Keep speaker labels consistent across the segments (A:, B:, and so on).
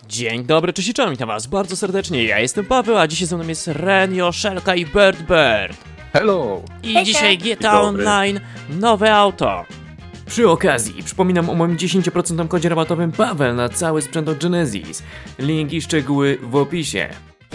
A: Dzień dobry, cześć i czołem, witam was bardzo serdecznie, ja jestem Paweł, a dzisiaj ze mną jest Ren, Joszelka i Bird.
B: Hello!
A: I
C: Hejka.
A: dzisiaj GTA
B: Dzień dobry.
A: Online, nowe auto. Przy okazji, przypominam o moim 10% kodzie rabatowym Paweł na cały sprzęt od Genesis. Link i szczegóły w opisie.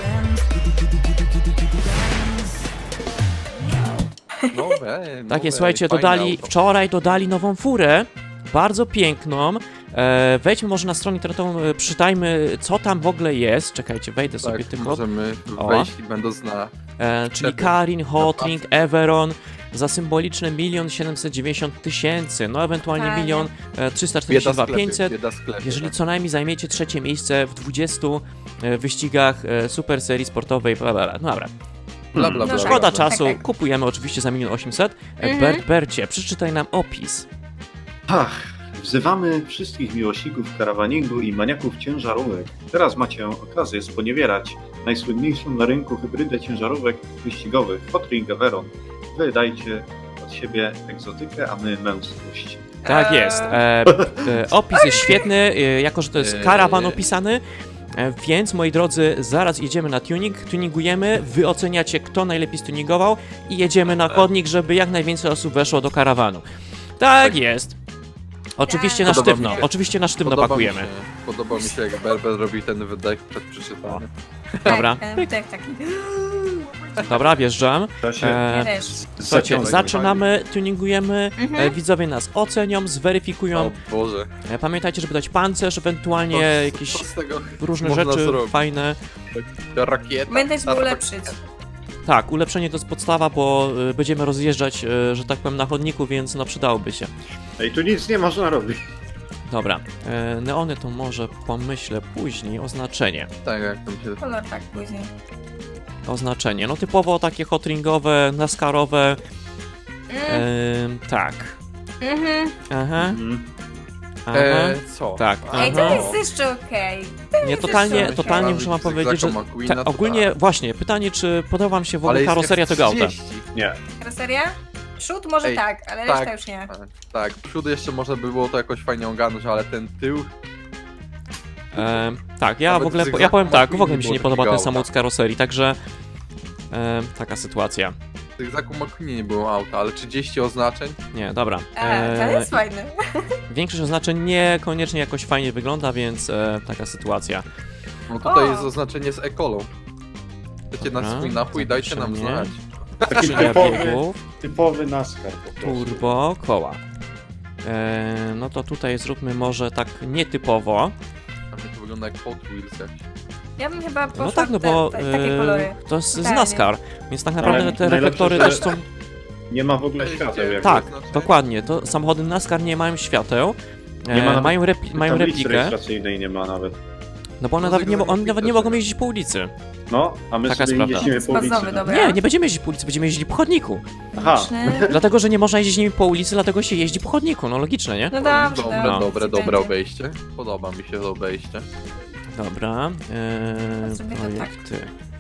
A: Takie, słuchajcie, wczoraj dodali nową furę, bardzo piękną. Wejdźmy może na stronę internetową, przytajmy co tam w ogóle jest. Czekajcie, wejdę sobie
B: Tak,
A: tylko.
B: możemy
A: O.
B: wejść i będąc na...
A: Czyli Karin, Hotring, Everon za symboliczne 1 790 000, no ewentualnie
C: Fajnie.
A: 1 342 500.
B: bieda sklepy.
A: Jeżeli co najmniej zajmiecie trzecie miejsce w 20 wyścigach super serii sportowej, bla bla bla. No dobra.
B: Bla, bla, bla,
C: No
A: Szkoda
C: tak,
A: czasu,
C: tak.
A: kupujemy oczywiście za 1 800 000. Bercie, przeczytaj nam opis.
D: Ach, wzywamy wszystkich miłośników karawaningu i maniaków ciężarówek. Teraz macie okazję sponiewierać najsłynniejszą na rynku hybrydę ciężarówek wyścigowych Hotring Everon. Wy dajcie od siebie egzotykę, a my męskość.
A: Tak jest. Opis jest świetny, jako że to jest karawan opisany. Więc, moi drodzy, zaraz jedziemy na tuning, tuningujemy, wy oceniacie, kto najlepiej stuningował i jedziemy na chodnik, żeby jak najwięcej osób weszło do karawanu. Tak jest. Oczywiście na
B: Podoba mi
A: sztywno,
B: się.
A: oczywiście na sztywno pakujemy.
B: Podoba mi się, jak Berber robi ten wydech przed przeczytaniem.
A: Dobra.
C: Tak, taki.
A: Dobra, wjeżdżam.
D: To się
C: Ja też.
A: Słuchajcie,
D: zaciąga.
A: zaczynamy, tuningujemy,
C: Mhm.
A: widzowie nas ocenią, zweryfikują.
B: O Boże.
A: Pamiętajcie, żeby dać pancerz, ewentualnie jakieś
B: Co z tego
A: różne
B: można
A: rzeczy
B: zrobić?
A: fajne.
B: Rakieta.
C: Będę żeby ulepszyć.
A: Tak, ulepszenie to jest podstawa, bo będziemy rozjeżdżać, że tak powiem, na chodniku, więc no przydałoby się.
D: Ej, tu nic nie można robić.
A: Dobra, neony to może pomyślę później, oznaczenie.
B: Tak, jak tam się...
C: Kolor tak później.
A: Oznaczenie, no typowo takie hotringowe, naskarowe, tak. Aha,
D: Mhm.
A: aha,
B: co?
A: tak,
C: Ej, to
A: aha.
C: jest jeszcze okej.
A: Nie, totalnie
B: Myślałem,
A: muszę wam
B: że
A: powiedzieć, że
B: Zako McQueena to
A: ogólnie,
B: tak.
A: właśnie, pytanie, czy podoba wam się w ogóle
B: Ale jest
A: karoseria tego auta?
B: F30.
D: Nie.
C: Karoseria? Przód może
B: Ej,
C: tak, ale
B: tak.
C: reszta już nie.
B: Tak, przód jeszcze można by było to jakoś fajnie ogarnąć, ale ten tył...
A: Tak, ja
B: Nawet
A: w ogóle,
B: z
A: ja powiem tak, w
B: McQueen
A: ogóle mi się
B: było
A: nie podoba
B: takiego
A: ten samochód z
B: auta.
A: karoserii, także taka sytuacja.
B: W tych Zaku McQueenie nie było auta, ale 30 oznaczeń?
A: Nie, dobra.
C: To jest fajne.
A: Większość oznaczeń niekoniecznie jakoś fajnie wygląda, więc taka sytuacja.
B: No tutaj
C: O!
B: jest oznaczenie z ekolą. Chcecie na
A: Dobra,
B: swój napój, dajcie nam
A: zapiszę
B: znać.
D: Taki
A: Skrzynia biegów,
D: typowy NASCAR po prostu.
A: turbo, koła. No to tutaj zróbmy może tak nietypowo.
B: A mnie to wygląda jak Hot Wheels jakiś.
C: Ja bym chyba poszła
A: No tak, no bo
C: takie kolory.
A: to jest z
C: Totalnie.
A: NASCAR, więc tak naprawdę
D: Ale
A: te
D: najlepsze,
A: reflektory
D: że-
A: też są...
D: Nie ma w ogóle świateł. Jak
A: Tak,
B: znaczenie?
A: dokładnie, to samochody NASCAR nie mają świateł.
D: Nie ma nawet
A: mają
D: tablicy
A: replikę,
D: rejestracyjnej nie ma nawet.
A: no bo one
B: No
A: nawet nie,
B: tego
A: one
B: nie
A: nawet nie
B: widać.
A: mogą jeździć po ulicy.
D: No, a my
A: Taka
D: sobie
A: sprawa.
D: jeździmy po ulicy.
C: Spazowy,
D: no.
C: dobra.
A: Nie będziemy jeździć po ulicy, będziemy jeździć po chodniku.
D: Aha,
A: Dlatego, że nie można jeździć nimi po ulicy, dlatego się jeździ po chodniku, no logiczne, nie?
C: No dobrze,
B: Dobre obejście. Podoba mi się to obejście.
A: Dobra,
C: Zrobię to tak.
A: projekty.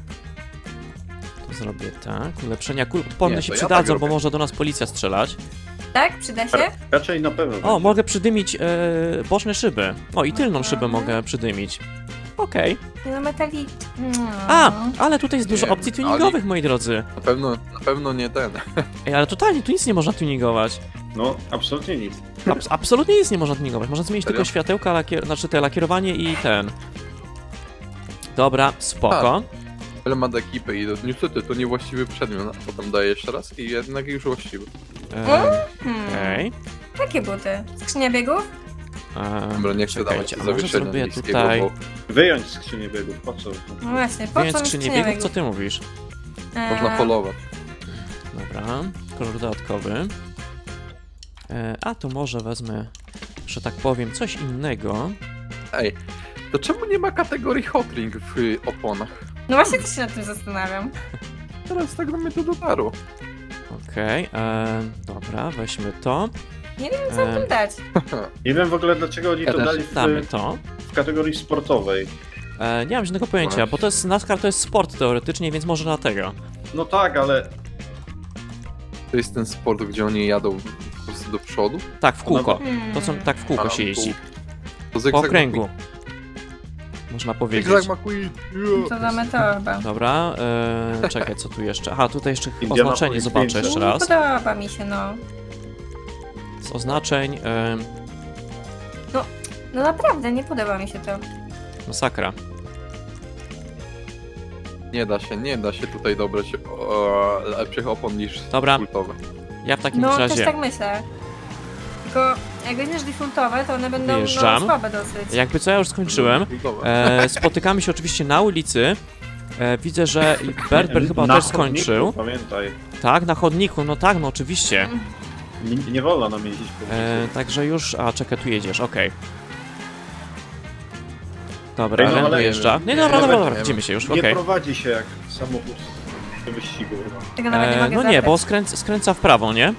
A: To zrobię tak, ulepszenia kul odporne
B: Nie,
A: się
B: to ja
A: przydadzą,
B: tak
A: bo
B: robię.
A: może do nas policja strzelać.
C: Tak? Przyda się?
D: raczej na pewno.
A: O,
D: będzie.
A: mogę przydymić boczne szyby. O, i tylną szybę mogę przydymić. Okej.
C: Nie no metalik.
A: A, ale tutaj jest dużo
B: Nie,
A: opcji tuningowych, moi drodzy.
B: Na pewno nie ten.
A: Ej, ale totalnie, tu nic nie można tuningować.
D: No, absolutnie nic.
A: Absolutnie nic nie można tuningować. Można zmienić
B: Serio?
A: tylko światełka, znaczy te lakierowanie i ten. Dobra, spoko.
B: Element ekipy i niestety to niewłaściwy przedmiot, a potem daję jeszcze raz i jednak już właściwy.
A: Okej.
C: Jakie buty? Skrzynia biegów?
B: Dobra, nie chcę dawać
A: Czekajcie, a może
B: zawieszenia
A: zrobię
B: niskiego,
A: tutaj...
B: bo
D: Wyjąć skrzynię biegów, po co?
C: No właśnie, po
A: Więc
C: co mi
A: skrzynię biegów, co ty mówisz?
B: można polować.
A: Dobra, kolor dodatkowy. A to może wezmę, że tak powiem, coś innego.
B: Ej, to czemu nie ma kategorii hotring w oponach?
C: No właśnie też się nad tym zastanawiam.
B: Teraz tak do mnie to dotarło.
A: Okej, dobra, weźmy to.
C: Nie wiem co tym dać.
D: Nie wiem w ogóle dlaczego oni
B: Ja
D: to
B: też.
D: dali
A: Damy to.
D: w kategorii sportowej.
A: Nie mam żadnego pojęcia, bo to jest NASCAR, to jest sport teoretycznie, więc może dlatego.
D: No tak, ale
B: To jest ten sport, gdzie oni jadą po prostu do przodu.
A: Tak, w kółko.
C: Hmm.
A: To są tak w kółko
B: A,
A: się jeździ.
B: To
A: Po
B: zygzak
A: okręgu. można powiedzieć.
B: Zigzag McQueen.
C: To damy to chyba.
A: Dobra, czekaj, co tu jeszcze? Aha, tutaj jeszcze
D: Indiana
A: oznaczenie
D: Police
A: zobaczę
D: 500.
A: jeszcze
C: Nie
A: raz.
C: podoba mi się, no.
A: Z oznaczeń,
C: No naprawdę, nie podoba mi się to.
A: masakra.
B: Nie da się tutaj dobrać lepszych opon niż
A: Dobra.
B: kultowe.
A: Ja w takim
C: No, też
A: razie,
C: tak myślę. Tylko jak weźmiesz defaultowe, to one będą
A: Wyjeżdżam.
C: no, słabe dosyć.
A: jakby co, ja już skończyłem.
B: Kultowe.
A: Spotykamy się oczywiście na ulicy. Widzę, że Berber chyba
D: Na
A: też
D: chodniku,
A: skończył.
D: Pamiętaj,
A: Tak, na chodniku, no tak, no oczywiście.
D: nie wolno nam jeździć po ulicy.
A: Także już, a czekaj, tu jedziesz, okej. Dobra,
D: Ej, no,
A: Ren
D: ale-
A: wyjeżdża. Nie, dobra,
B: Nawet
A: dobra,
B: nie
A: dobra,
B: wiem.
A: widzimy się już,
D: Nie
A: okej.
D: prowadzi się jak samochód do wyścigu.
C: Tego nawet nie mogę
A: No nie,
C: zabrać.
A: bo skręca w prawo, nie?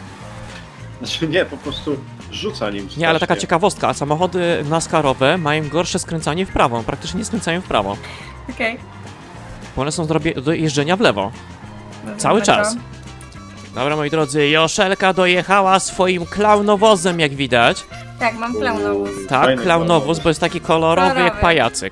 D: Znaczy nie, po prostu rzuca nim
A: Nie, ale taka
D: strasznie.
A: ciekawostka, samochody NASCAR-owe mają gorsze skręcanie w prawo, praktycznie nie skręcają w prawo,
C: Okej.
A: bo one są do jeżdżenia w lewo,
C: Dobra,
A: cały
C: dobra.
A: czas. Dobra, moi drodzy, Joszelka dojechała swoim klaunowozem, jak widać.
C: Tak, mam klaunowóz.
A: Tak,
D: Fajny
A: klaunowóz,
D: klaunowóz.
A: bo jest taki kolorowy jak
C: Kolorowy.
A: pajacyk.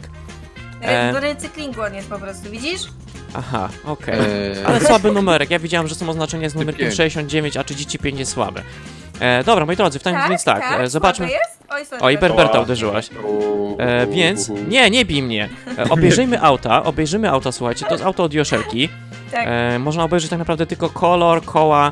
C: Do recyklingu on jest po prostu, widzisz?
A: Aha, okej.
B: Eee,
A: Ale słaby numerek, ja widziałem, że są oznaczenia z numerkiem
B: 5.
A: 69, a 35 jest słaby. Dobra, moi drodzy, więc tak, zobaczmy.
C: słabe jest? Oj, sorry,
A: Oj,
C: sorry.
A: Berberta uderzyłaś. Więc, nie bij mnie. Obejrzyjmy auta, słuchajcie, to jest auto od Joszelki.
C: Tak.
A: Można obejrzeć tak naprawdę tylko kolor, koła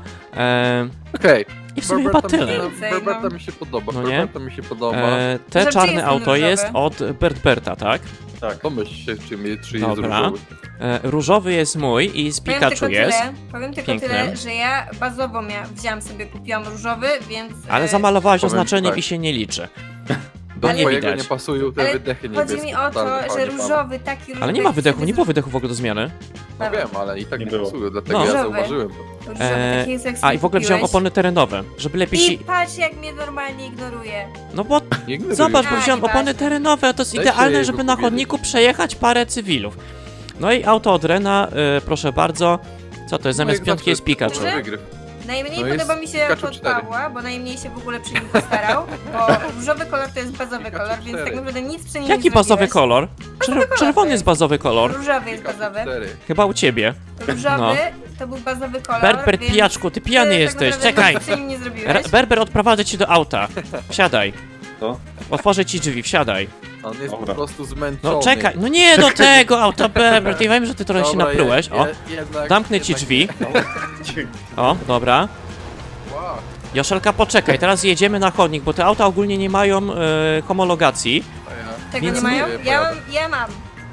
B: Okej.
A: i w sumie chyba tyle.
C: Więcej,
B: Berberta
C: no.
B: mi się podoba,
A: No nie?
B: Berberta mi się podoba.
A: Te
C: Że czy
A: czarne
C: jest
A: auto
C: różowy?
A: jest od Berberta, tak?
D: Tak.
B: Pomyśl się, czy jest
A: Dobra.
B: różowy.
A: Różowy jest mój i z Pikachu jest.
C: Powiem tylko
A: Piękny.
C: tyle, że ja bazowo wziąłam sobie, kupiłam różowy, więc...
A: Ale zamalowałaś
B: powiem
A: oznaczeniem
B: tak.
A: i się nie liczy.
B: Do
C: Ale-
A: nie
B: twojego
A: widać.
B: nie pasują te
C: Ale
B: wydechy niebieskie.
C: chodzi mi o to,
B: totalnie,
C: że
B: panie Paweł.
C: różowy, taki różowy...
A: Ale nie ma wydechu,
C: sobie
A: nie było wydechu w ogóle do zmiany.
B: No wiem, ale i tak
D: Nie
B: nie
D: było.
B: pasują, dlatego
A: No.
B: ja
C: Różowy.
B: zauważyłem to.
C: Różowy, taki jest, jak
A: A
C: sobie
A: i w ogóle wziąłem
C: kupiłeś.
A: opony terenowe, żeby lepiej się...
C: I patrz, jak mnie normalnie ignoruje.
A: No bo
B: Nie ignoruj.
A: zobacz, bo
C: A,
A: wziąłem
C: nieważne.
A: opony terenowe, to jest
B: Dajcie
A: idealne,
B: jego
A: żeby na
B: powiedzieć.
A: chodniku przejechać parę cywilów. No i auto od Rena, proszę bardzo. Co to jest?
B: No
A: Zamiast
B: jak
A: piątki
B: zawsze,
A: jest Pikachu.
B: może wygryw.
C: Najmniej
B: No jest
C: podoba mi się
B: Pikachu
C: auto od
B: 4.
C: Pawła, bo najmniej się w ogóle przy nim postarał, bo różowy kolor to jest bazowy
B: Pikachu
C: kolor, więc
B: 4.
C: tak naprawdę nic przy nim
A: Jaki
C: nie
A: bazowy
C: zrobiłeś.
A: kolor? Czerwony
C: to
A: jest bazowy kolor.
C: Różowy jest
B: Pikachu
C: bazowy.
B: 4.
A: Chyba u ciebie.
C: Różowy
A: No.
C: to był bazowy kolor,
A: Berber,
C: więc
A: pijaczku, ty pijany
C: tak
A: jesteś,
C: naprawdę
A: czekaj.
C: nic przy nim nie zrobiłeś.
A: Berber, odprowadzę cię do auta. Wsiadaj.
D: Co?
A: Otworzę ci drzwi, wsiadaj.
B: On jest
D: Dobra.
B: po prostu zmęczony.
A: No czekaj, no nie do tego auta, Berber. Ty wiem, że ty trochę się
B: Dobra,
A: naprułeś. O,
B: jednak,
A: zamknę ci
B: jednak
A: drzwi.
D: Dzięki.
A: O, dobra.
B: Wow.
A: Joszelka, poczekaj, teraz jedziemy na chodnik, bo te auta ogólnie nie mają homologacji.
B: A ja-
C: Tego
A: Więc
C: nie mają?
B: nie
C: Ja mam.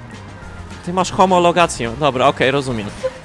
A: Ty masz homologację. Dobra, okej, rozumiem.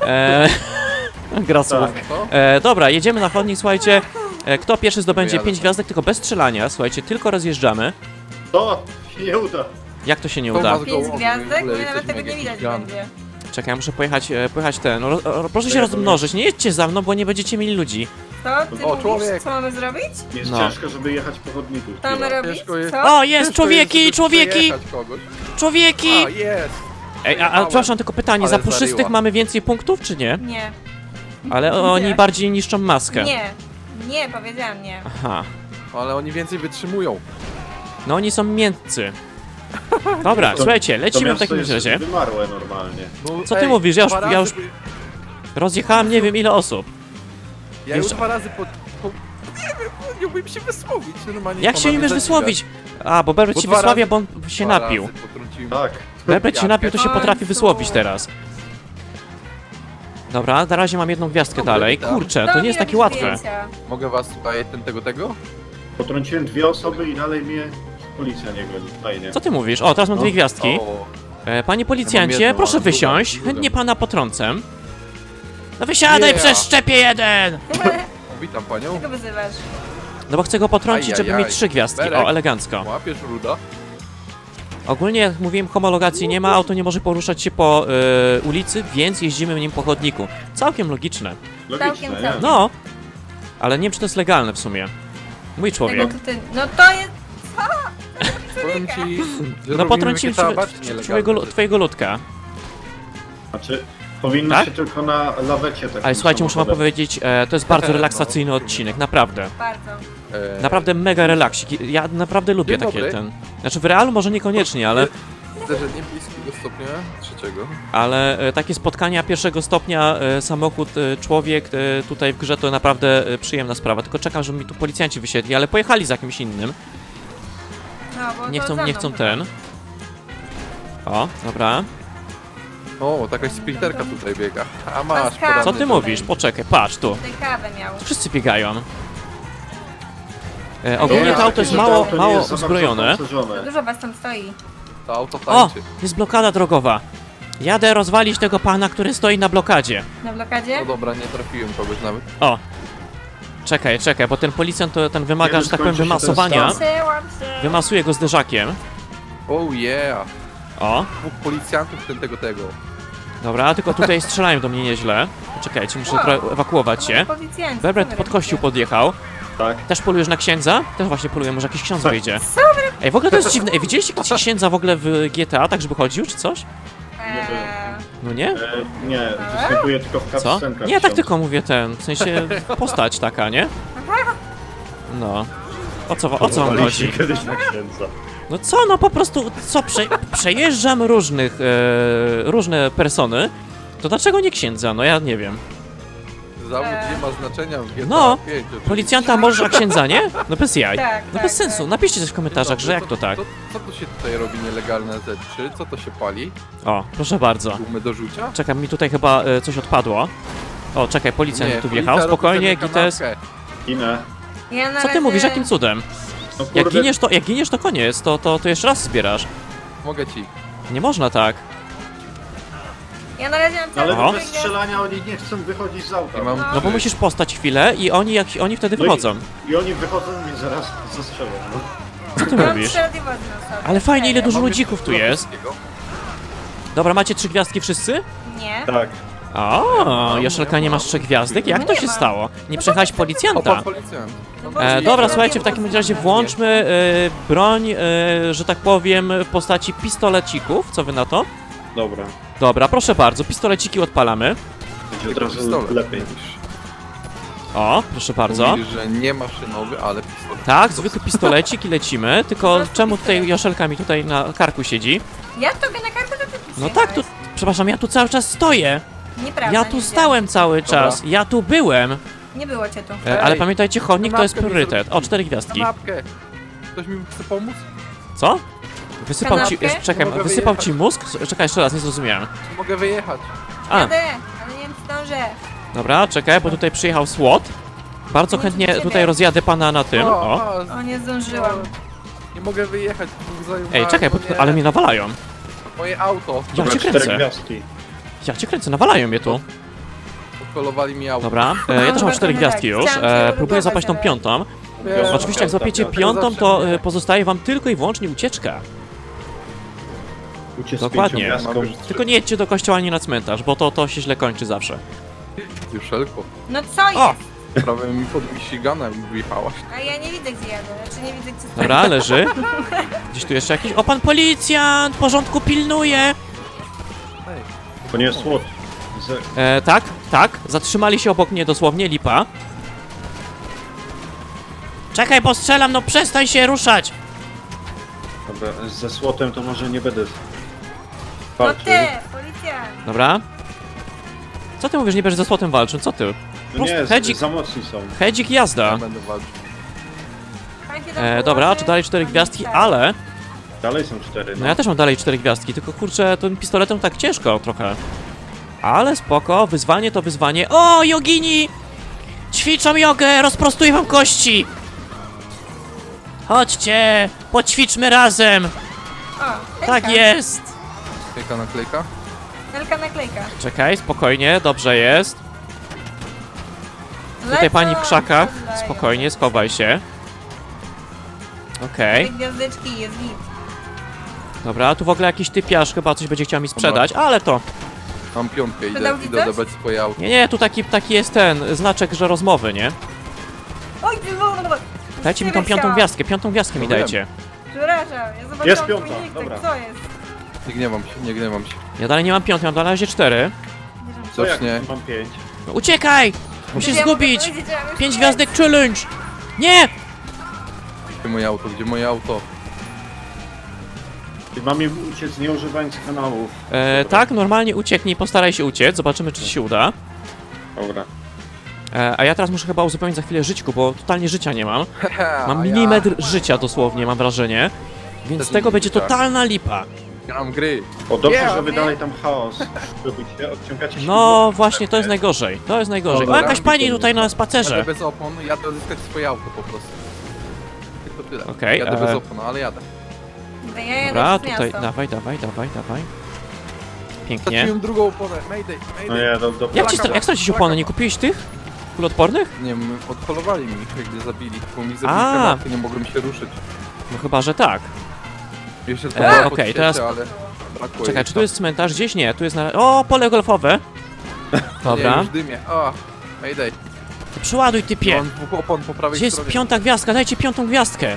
A: Gra słów.
D: Tak.
B: Co?
A: Dobra, jedziemy na chodnik, słuchajcie. Kto pierwszy zdobędzie
B: Jadę
A: 5
B: tam.
A: gwiazdek, tylko bez strzelania, słuchajcie, tylko rozjeżdżamy.
D: To się nie uda.
A: Jak to się nie
B: To
A: uda?
B: ma-
C: 5
B: Gołowy,
C: gwiazdek?
B: w ogóle
C: Nie, nawet
B: jesteśmy
C: tego nie widać
B: gigant.
C: będzie.
A: Czekaj, ja muszę pojechać ten. Proszę się
D: ja
A: rozmnożyć, nie jedźcie za mną, bo nie będziecie mieli ludzi.
C: To ty
B: O,
C: mówisz,
B: człowiek.
C: co mamy zrobić?
D: Jest
A: No.
D: ciężko, żeby jechać po chodniku.
C: Co mamy robić?
B: Ciężko jest.
C: Co?
A: O, jest,
B: Ciężko
A: człowieki,
B: jest, żeby
A: człowieki,
B: przejechać kogoś.
A: człowieki!
B: A, jest!
A: Ej, a przepraszam, tylko pytanie,
B: Ale
A: za puszystych
B: zaryła.
A: mamy więcej punktów, czy nie?
C: Nie.
A: Ale oni
C: Nie.
A: bardziej niszczą maskę.
C: Nie. Nie, powiedziałam nie.
A: Aha.
B: Ale oni więcej wytrzymują.
A: No oni są miętcy. Dobra,
D: To-
A: słuchajcie,
D: To
A: lecimy w
D: miasto
A: takim
D: jest
A: razie.
D: wymarłe normalnie.
B: No,
A: Co ty mówisz? Ja już-
B: dwa
A: ja
B: razy
A: już-
B: by-
A: Rozjechałem nie wiem ile osób.
B: Ja już
A: Jeszcze-
B: 2 razy nie wiem, nie umiem się wysłowić normalnie.
A: Jak się
B: Ona
A: umiesz
B: mnie
A: wysłowić? A, bo Berbert
B: Bo
A: się
B: 2
A: wysławia,
B: razy-
A: bo on się
B: dwa
A: napił.
B: razy potrąciłem.
D: Tak.
A: Berbert się napił, to się
C: Końcu.
A: potrafi wysłowić teraz. Dobra, na razie mam jedną gwiazdkę
B: Dobra,
A: dalej.
B: witam.
A: Kurczę,
C: To
A: to
C: mi
A: nie jest takie
C: robi
A: łatwe.
C: zdjęcia.
B: Mogę was tutaj tego?
D: Potrąciłem 2 osoby i dalej mnie policja nie goni. Fajnie.
A: Co ty mówisz? O, teraz mam
D: No.
A: 2 gwiazdki.
B: O,
A: Panie policjancie,
B: jedną,
A: proszę
B: ale drugą,
A: wysiąść.
B: drugą.
A: Chętnie pana potrącę. No wysiadaj,
B: Yeah.
A: przez szczepie jeden!
B: witam panią.
C: Czego wyzywasz?
A: No bo chcę go potrącić, żeby
B: Ajajaj.
A: mieć 3 gwiazdki.
B: Berek.
A: O, elegancko.
B: Łapiesz ruda?
A: Ogólnie, jak mówiłem, homologacji nie ma, auto nie może poruszać się po ulicy, więc jeździmy nim po chodniku. Całkiem logiczne.
D: Logiczne,
C: Całkiem,
D: nie?
C: całkiem.
A: No, ale nie wiem, czy to jest legalne w sumie. Mój człowiek.
C: Tego to ty... No to jest...
B: Powiem ci, że
A: No
B: robimy
A: potrąciłem
B: takie bardziej nielegalne
A: twojego ludka.
D: Znaczy, powinno
A: Tak?
D: się tylko na lawecie tak.
A: Ale słuchajcie, muszę wam powiedzieć, to jest bardzo relaksacyjny odcinek, naprawdę.
C: Bardzo.
B: rzeczy.
A: Naprawdę mega relaksik. Ja naprawdę lubię
B: Dzień
A: takie
B: dobry.
A: ten... Znaczy w realu może niekoniecznie, ale
B: Widzę, że niebieskiego stopnia, trzeciego.
A: Ale takie spotkania pierwszego stopnia, samochód, człowiek tutaj w grze to naprawdę przyjemna sprawa. Tylko czekam, żeby mi tu policjanci wysiedli, ale pojechali za kimś innym.
C: No, bo
A: Nie
C: to
A: chcą,
C: za
A: nie
C: mną
A: chcą
C: chyba.
A: ten. O, dobra.
B: O, taka sprinterka tutaj biega. A masz,
C: Maska.
B: poranny
A: Co ty
B: dom.
A: mówisz? Poczekaj, patrz tu.
C: Tutaj kawę miał.
A: Wszyscy biegają. Ogólnie
C: Nie,
A: to auto jest
D: że to
A: mało,
D: auto nie
A: mało
D: jest za bardzo
A: uzbrojone.
D: opancerzone.
C: Dużo was tam stoi.
B: To auto
A: O!
B: tańczy.
A: Jest blokada drogowa. Jadę rozwalić tego pana, który stoi na blokadzie.
C: Na blokadzie?
B: No dobra, nie trafiłem kogoś nawet.
A: O! Czekaj, bo ten policjant to ten wymaga,
D: Kiedy
A: że tak powiem,
D: skończy się ten
A: wymasowania.
D: stan?
C: Przełam się.
A: Wymasuje go zderzakiem.
B: Oh yeah!
A: O!
B: Dwóch policjantów tego.
A: Dobra, tylko tutaj strzelają do mnie nieźle. Czekajcie, muszę
C: Wow.
A: trochę ewakuować się.
C: Policjanci,
A: Bebret
C: co wy
A: pod kościół
C: robicie?
A: podjechał.
D: Tak.
A: Też polujesz na księdza? Też właśnie poluję, może jakiś ksiądz
D: Tak.
A: wyjdzie. Ej, w ogóle to jest dziwne. Ej, widzieliście kiedyś księdza w ogóle w GTA, tak żeby chodził, czy coś? No nie?
D: Nie, występuje tylko w
A: Co?
D: cutscenkach.
A: Nie, tak
D: ksiądz.
A: tylko mówię ten, w sensie postać taka, nie? No. O co wam
D: Próbowaliście
A: chodzi?
D: kiedyś na księdza.
A: No co, no po prostu, co, przejeżdżam różne persony, to dlaczego nie księdza? No ja nie wiem.
B: Zawód nie ma znaczenia w GTA
A: No,
B: 5. oczywiście.
A: Policjanta możesz, a księdza nie? No bez jaj.
C: Tak,
A: No
C: tak,
A: bez sensu,
C: tak.
A: napiszcie coś w komentarzach,
B: Dobry,
A: że jak to tak.
B: Co tu się tutaj robi nielegalne rzeczy? Co to się pali?
A: O, proszę bardzo.
B: Gumy do rzucia?
A: Czekam, mi tutaj chyba coś odpadło. O, czekaj, policjant tu wjechał,
B: policja robi
A: spokojnie,
B: sobie
A: Gites.
B: kanapkę.
D: Inę.
C: Ja na
A: Co ty
C: razie-
A: mówisz, jakim cudem?
D: No
A: Jak
D: kurde,
A: giniesz to koniec, to jeszcze raz zbierasz.
B: Mogę ci.
A: Nie można tak.
C: Ja na razie mam cały
D: ale
A: Oho.
D: bez strzelania oni nie chcą wychodzić z auta.
B: I mam-
A: No bo musisz postać chwilę i oni wtedy
D: No i-
A: wychodzą.
D: I oni wychodzą i zaraz zastrzelą. No.
A: Co ty
C: Mam
A: mówisz?
C: 3 radiowozy na sobie.
A: Ale fajnie, ile
C: Serio.
A: dużo
B: Mam
A: ludzików tu
B: jeszcze
A: jest.
B: wszystkiego.
A: Dobra, macie 3 gwiazdki wszyscy?
C: Nie.
D: Tak.
A: O, Joszelka, nie masz 3 gwiazdek? Jak
C: No
A: to
C: nie
A: się
C: mam.
A: stało? Nie przejechałeś
B: O,
A: policjanta.
B: pan policjant.
C: No bo
A: Dobra,
C: nie
A: słuchajcie, w
C: radiowozy
A: takim razie
C: są.
A: włączmy broń, że tak powiem, w postaci pistolecików. Co wy na to?
D: Dobra.
A: Dobra, proszę bardzo, pistoleciki odpalamy.
D: Będzie od razu
B: Pistolet.
D: lepiej.
A: O, proszę bardzo.
B: Mówisz, że nie maszynowy, ale pistolet.
A: Tak, zwykły pistolecik i lecimy. Tylko czemu tutaj Joszelka mi tutaj na karku siedzi?
C: Ja tobie na kartę to ty
A: No tak, tu, przepraszam, ja tu cały czas stoję.
C: Nieprawda.
A: Ja tu
C: nie
A: stałem cały
B: Dobra.
A: czas. Ja tu byłem.
C: wiem. Nie było cię tu.
A: Ale
B: Ej,
A: pamiętajcie, chodnik to jest
B: kanapkę mi
A: priorytet.
B: zrobili.
A: O, 4 gwiazdki.
B: Kanapkę. Ktoś mi chce pomóc?
A: Co? Wysypał ci.
C: Kanapkę?
A: Czekaj,
B: Mogę
A: wysypał
B: wyjechać.
A: ci mózg? Czekaj, jeszcze raz, nie zrozumiałem.
B: Czy mogę wyjechać?
A: A,
C: Jadę, ale nie wiem czy zdążę.
A: dobra, czekaj, bo tutaj przyjechał SWAT. Bardzo chętnie tutaj rozjadę pana na tym. O.
C: O, nie zdążyłam.
B: Nie mogę wyjechać. dwóch zajumów.
A: Ej, czekaj, bo
B: No
A: tu,
B: nie.
A: ale mnie nawalają.
B: Moje auto.
A: Ja
D: Dobra,
A: cię
D: 4
A: kręcę.
D: gwiazdki.
A: Ja cię kręcę, nawalają mnie tu.
B: Odkolowali mi auto.
A: Dobra, ja też mam 4 gwiazdki już. Próbuję zapaść tą piątą.
B: Wiem,
A: Oczywiście jak złapiecie
B: piąta.
A: piątą,
B: Zawsze
A: to
B: mnie.
A: pozostaje wam tylko i wyłącznie ucieczka.
D: Uciec z
A: Dokładnie.
D: 5 gwiazdką.
B: Mamy już
A: Tylko nie jedźcie do kościoła ani na cmentarz, bo to się źle kończy zawsze.
B: Juszelko.
C: No co jest?
A: O!
B: Prawie mi pod Michiganem wyjechałaś.
C: A ja nie widzę gdzie jadę, znaczy nie widzę gdzie stoję.
A: Dobra, leży. Gdzieś tu jeszcze jakiś... O, pan policjant! Porządku pilnuje!
D: To nie jest SWAT.
A: Tak, zatrzymali się obok mnie dosłownie, lipa. Czekaj, bo strzelam, no przestań się ruszać!
D: Dobra, ze SWAT-em to może nie będę
C: No
D: walczył.
C: ty, policjant.
A: Dobra. Co ty mówisz, nie będziesz ze słotem walczył? Co ty?
D: No nie,
A: hedzik.
D: za mocni są.
A: Hedzik
B: Ja
A: jazda.
B: będę walczył.
C: Fajnie tam
A: Dobra,
C: położy.
A: czy dalej 4 gwiazdki,
C: Tak.
A: ale...
D: Dalej są 4,
A: No ja też mam dalej 4 gwiazdki, tylko kurczę, tym pistoletem tak ciężko trochę. Ale spoko, wyzwanie to wyzwanie. O, jogini! Ćwiczą jogę, rozprostuję wam kości! Chodźcie, poćwiczmy razem!
C: O,
A: Tak jest!
B: Jaka naklejka?
C: Wielka naklejka.
A: Czekaj, spokojnie, dobrze jest. Tutaj
C: Lecą,
A: pani w krzakach,
C: strzelają.
A: spokojnie, schowaj się. Okej,
C: Dwie gwiazdeczki, jest git.
A: dobra, tu w ogóle jakiś typiarz chyba coś będzie chciał mi sprzedać, ale to...
B: Mam piątkę, idę
C: Sprzedał ci coś?
B: odebrać swoje auto.
A: Nie, tu taki jest ten znaczek, że rozmowy, nie?
C: Oj, ty
A: Dajcie mi tą piątą gwiazdkę mi
B: No wiem.
A: dajcie.
C: Przepraszam, ja zobaczyłam
D: Jest
C: twój
D: piąta,
C: nick,
D: dobra.
C: tak co jest?
B: Nie gniewam się, nie gniewam się.
A: Ja dalej nie mam piątej, mam na razie 4.
D: Co jak
B: nie?
D: mam 5?
A: No uciekaj! Musisz
C: Ja mogę
A: zgubić!
C: powiedzieć, że mam już
A: 5
C: pięć.
A: gwiazdek challenge! Nie!
B: Gdzie moje auto? Gdzie moje auto?
D: mamy uciec nie używając kanałów?
A: Tak, normalnie ucieknij, postaraj się uciec, zobaczymy czy ci się uda.
D: Dobra.
A: A ja teraz muszę chyba uzupełnić za chwilę żyćku, bo totalnie życia nie mam. Mam
B: A
A: milimetr życia dosłownie, mam wrażenie. Więc
B: Też
A: z tego
B: nie
A: będzie
B: życia.
A: totalna lipa.
B: Gram gry.
D: O, dobrze,
B: Yeah,
D: że wy
C: nie?
D: dalej tam chaos robicie, odciągacie się.
A: No właśnie, to jest najgorzej. To jest najgorzej. O,
D: Dobra.
A: jakaś pani tutaj na
B: Jadę
A: spacerze.
B: bez opon, jadę odzyskać swoje auto po prostu. Tylko tyle.
A: Okej,
B: Jadę bez opon, ale jadę.
C: Ja jadę
A: Dobra,
C: przez
A: tutaj,
C: miasto.
A: dawaj. Pięknie.
B: Straciłem drugą oponę, mayday,
D: No
B: mayday.
D: ja do
A: Jak stracić opony? Nie kupiłeś tych? Kulotpornych?
B: Nie wiem, odholowali mi, gdy zabili, bo mi zabili
A: A.
B: kanapkę, nie mogłem się ruszyć.
A: No chyba, że tak.
B: Jeszcze
A: okej, teraz-
B: ale brakło
A: Czekaj,
B: jej
A: czy tu
B: tam.
A: jest cmentarz? Gdzieś nie, tu jest na... O, pole golfowe.
B: Nie,
A: Dobra.
B: już dymie. O, mayday.
A: Przyładuj typie.
B: Mam dwóch opon po prawej
A: Gdzie jest
B: stronie.
A: 5. gwiazdka? Dajcie 5. gwiazdkę.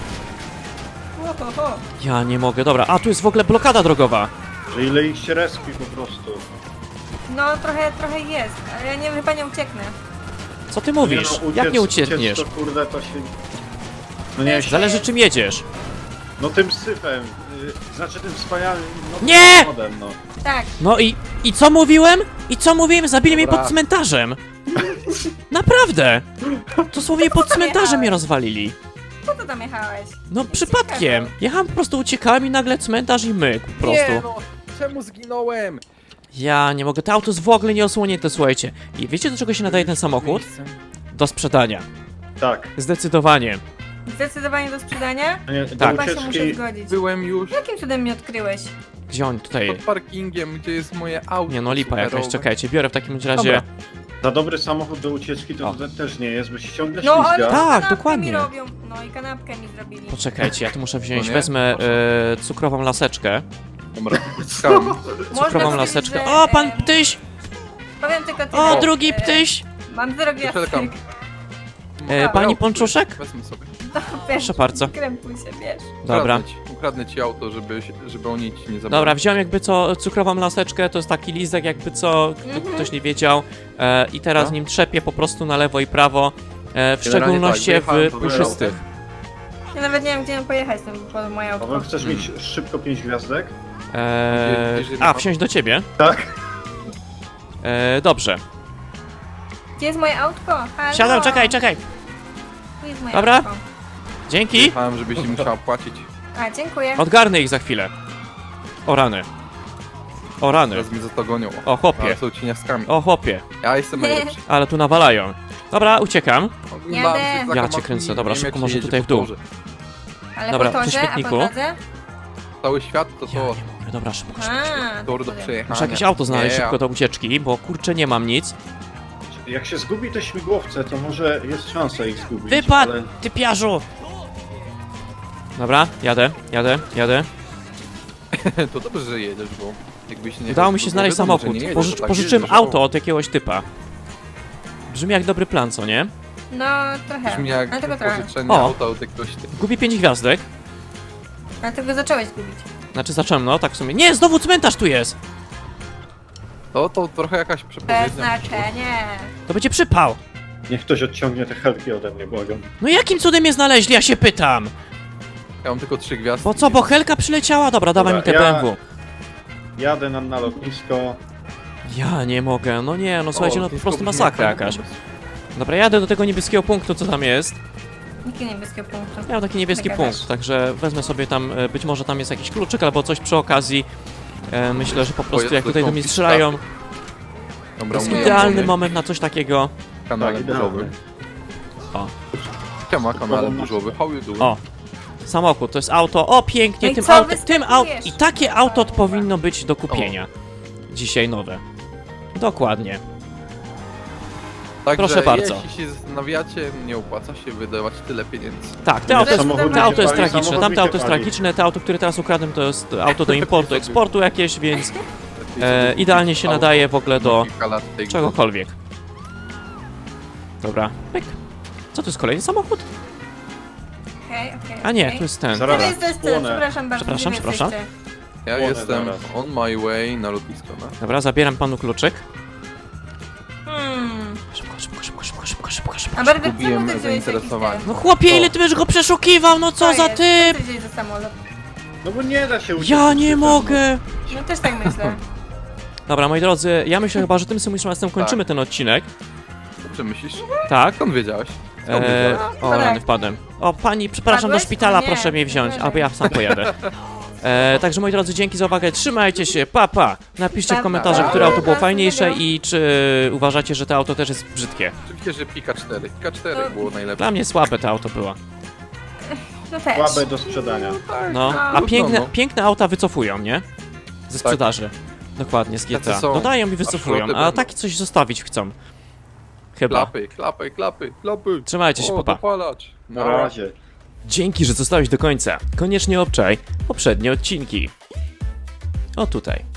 C: Ohoho.
A: Ja nie mogę, dobra. A, tu jest w ogóle blokada drogowa.
D: Że ile ich się respi po prostu.
C: No trochę jest, ale ja nie, chyba nie ucieknę.
A: Co ty mówisz?
D: Nie, no,
A: Jak nie uciekniesz?
D: Uciec to kurde to się... No nie,
A: Zależy czym jedziesz.
D: no tym syfem, znaczy tym wspaniałym... No,
A: Nie!
D: samochodem, no.
C: Tak,
A: No i co mówiłem? I co mówiłem? Zabili mnie
B: Dobra.
A: pod cmentarzem. Naprawdę. Dosłownie pod cmentarzem mnie rozwalili.
C: po co tam jechałeś?
A: No przypadkiem. Jechałem po prostu, uciekałem i nagle cmentarz i myk po prostu.
B: Nie, no, czemu zginąłem?
A: Ja nie mogę, to auto jest w ogóle nieosłonięte, słuchajcie. I wiecie do czego się nadaje ten samochód? Do sprzedania.
D: Tak.
A: Zdecydowanie.
C: Zdecydowanie do sprzedania?
D: Nie, do
A: Tak.
C: Chyba się muszę
D: ucieczki...
C: zgodzić.
B: Byłem już
C: Jakim cudem mnie odkryłeś?
A: Gdzie on tutaj?
B: pod parkingiem, gdzie jest moje auto.
A: Nie no, lipa jakaś,
B: superowe.
A: czekajcie, biorę w takim razie...
B: Dobra.
D: Za dobry samochód do ucieczki to
A: O.
D: też nie jest, bo się ciągle
C: No
D: ślizga.
C: ale
A: Tak,
C: kanapkę
A: dokładnie.
C: mi robią. No i kanapkę mi zrobili.
A: Poczekajcie, ja tu muszę wziąć,
B: No nie?
A: wezmę cukrową laseczkę.
B: Dobra, skam.
C: Można
A: Cukrową
C: powiedzieć,
A: laseczkę.
C: że,
A: O, pan
C: em,
A: ptyś!
C: Powiem tylko tyle.
A: O, drugi ptyś!
C: Mam 0 gwiazdek.
B: Czekam.
A: Pani Ponczuszek?
B: Wezmę sobie.
A: Proszę bardzo.
C: Krępuj się, wiesz.
A: Dobra.
B: Ukradnę ci auto, żeby oni ci nie zabrali.
A: Dobra, wziąłem jakby co cukrową laseczkę, to jest taki listek jakby co, ktoś nie wiedział. I teraz
B: No.
A: nim trzepię po prostu na lewo i prawo. W
B: Generalnie
A: szczególności
B: tak, wyjechałem
A: w
B: do
A: puszystych.
C: Ja nawet nie wiem, gdzie mam pojechać po moje
D: Paweł,
C: auto.
D: chcesz mieć szybko 5 gwiazdek?
A: Wsiąść do ciebie?
D: Tak.
A: Dobrze.
C: Gdzie jest moje autko? Halo?
A: Siadam, czekaj.
C: Tu jest moje
A: Dobra.
C: autko.
A: Dzięki.
B: Jechałem, żebyś im musiała płacić.
C: A, dziękuję.
A: Odgarnę ich za chwilę. O rany. O rany.
B: Teraz mnie za to gonią.
A: O chłopie.
B: Ale są cieniaskami.
A: O chłopie.
B: Ja jestem najlepszy.
A: Ale tu nawalają. Dobra, uciekam.
B: Oglądałem
C: Jadę.
B: się za
A: Ja
B: kamatami,
A: cię kręcę,
B: nie
A: dobra,
B: wiem,
A: szybko
B: jak się
A: może
B: jedzie
A: tutaj
B: po
A: w dół.
B: torze.
C: Ale
A: Dobra,
C: po
A: przy
C: torze, a po
A: śmietniku.
C: drodze?
B: Cały świat to
A: Ja
B: to
A: nie mogę, dobra, szybko.
C: A,
B: tor do
C: powiem.
B: przejechania.
A: Muszę jakieś auto znaleźć
B: Nie,
A: szybko do ucieczki, bo kurczę nie mam nic.
D: Jak się zgubi te śmigłowce, to może jest szansa ich zgubić.
A: Wypadł,
D: ale-
A: ty piarzu! Dobra, jadę.
B: To dobrze, że jedziesz, bo jakbyś nie...
A: Udało mi się
B: bo
A: znaleźć
B: wiadomo, że
A: samochód.
B: nie jedziesz, to tak
A: Pożyczyłem
B: jedziesz,
A: auto od jakiegoś typa. Brzmi jak dobry plan, co nie?
C: No, trochę.
B: Brzmi jak
C: Dlatego trochę.
B: pożyczenie
A: O.
B: auta od jakiegoś typu.
A: Gubię 5 gwiazdek.
C: Dlatego zacząłeś gubić.
A: Znaczy zacząłem, no tak w sumie. Nie, znowu cmentarz tu jest!
B: To trochę jakaś
C: Bez
B: przepowiednia.
C: znaczenia.
A: To będzie przypał.
D: Niech ktoś odciągnie te helki ode mnie, błagam.
A: No jakim cudem je znaleźli, ja się pytam?
B: Ja mam tylko 3 gwiazdki.
A: Bo co, bo Helka przyleciała? Dobra, dawaj mi te
D: Dobra, ja-
A: BMW.
D: Jadę na lotnisko.
A: Ja nie mogę, no nie, no słuchajcie, no po
B: lotnisko
A: prostu
B: brzmi
A: masakra
B: jak fajny
A: jakaś.
B: pomysł.
A: Dobra, jadę do tego niebieskiego punktu, co tam jest.
C: Nikt niebieskiego punktu.
A: Ja mam taki niebieski
C: Gadasz.
A: punkt, także wezmę sobie tam, być może tam jest jakiś kluczyk albo coś przy okazji. Myślę, że po prostu
B: jest
A: jak tutaj do mnie
B: konfiskaty.
A: strzelają, to
B: Dobra,
A: jest
B: umyję
A: idealny
B: opony.
A: moment na coś takiego.
B: Kanale
D: Tak,
B: burzowy.
D: idealny.
A: O,
B: Siema, kanale burzowy. How you doing?
A: o. Samochód, to jest auto, o pięknie,
C: No i
A: tym
C: co
A: autem, tym auto,
C: wyskakujesz?
A: i takie auto powinno być do kupienia. Dzisiaj nowe. Dokładnie.
B: Także
A: proszę bardzo.
B: jeśli się zastanawiacie, nie opłaca się wydawać tyle pieniędzy.
A: Tak, te
C: No
A: auto,
C: jest-
D: Samochód
C: te
A: auto jest
D: pali,
A: tragiczne,
D: samochód
A: tamte auto jest
D: pali.
A: tragiczne, te auto, które teraz ukradłem, to jest auto do importu, eksportu jakieś, więc idealnie się nadaje w ogóle do
B: Kilka lat tej
A: czegokolwiek. Dobra, pyk. Co to jest kolejny samochód?
C: Okej.
A: A nie,
C: okej.
A: to jest ten.
D: Zaraz.
C: Gdzie wy jesteście?
D: Spłonę.
C: Przepraszam bardzo.
A: Przepraszam,
C: gdzie wy
A: przepraszam.
C: jesteście?
B: Ja
D: Płonę
B: jestem
D: zaraz.
B: on my way na lotnisko, no.
A: Dobra, zabieram panu kluczyk.
C: Hmm.
A: Szybko.
C: A bardzo
B: Zgubiłem
C: czemu ty wziąłeś
B: zainteresowanie.
C: jakiś
A: No chłopie, ile ty będziesz go przeszukiwał, no co za typ!
C: Co ty wziąłeś za samolot?
D: No bo nie da się uciec.
A: Ja
D: przed
A: nie
D: syfem,
A: mogę!
C: No też tak myślę.
A: Dobra, moi drodzy, ja myślę chyba, że tym symulacją kończymy ten odcinek.
B: Dobrze myślisz?
A: Tak.
B: Skąd wiedziałeś? Skąd wiedziałeś?
A: O,
C: tak.
A: rany, wpadłem. O, pani, przepraszam, do
C: Wpadłeś?
A: szpitala,
C: O nie,
A: proszę mnie wziąć,
C: nie
A: albo ja sam pojadę. Także moi drodzy, dzięki za uwagę, trzymajcie się, pa, pa. Napiszcie w
C: Pa,
A: komentarzach,
C: pa.
A: które auto było
C: Pa,
A: fajniejsze
C: miłego.
A: i czy uważacie, że to auto też jest brzydkie.
B: Oczywiście, że Pika 4. Pika 4
C: No.
B: było najlepsze.
A: Dla mnie słabe to auto było.
C: No też.
D: Słabe do sprzedania.
A: No, a
B: trudno,
A: piękne,
B: no.
A: piękne auta wycofują, nie? Ze sprzedaży. Dokładnie, z GTA.
B: Tacy są.
A: Dodają i wycofują,
B: szroty
A: a
B: będą.
A: takie coś zostawić chcą. Chyba.
B: Klapy, klapy, klapy, klapy.
A: Trzymajcie się,
B: O,
A: papa.
B: dopalacz.
D: Na razie.
A: Dzięki, że zostałeś do końca. Koniecznie obczaj poprzednie odcinki. O tutaj.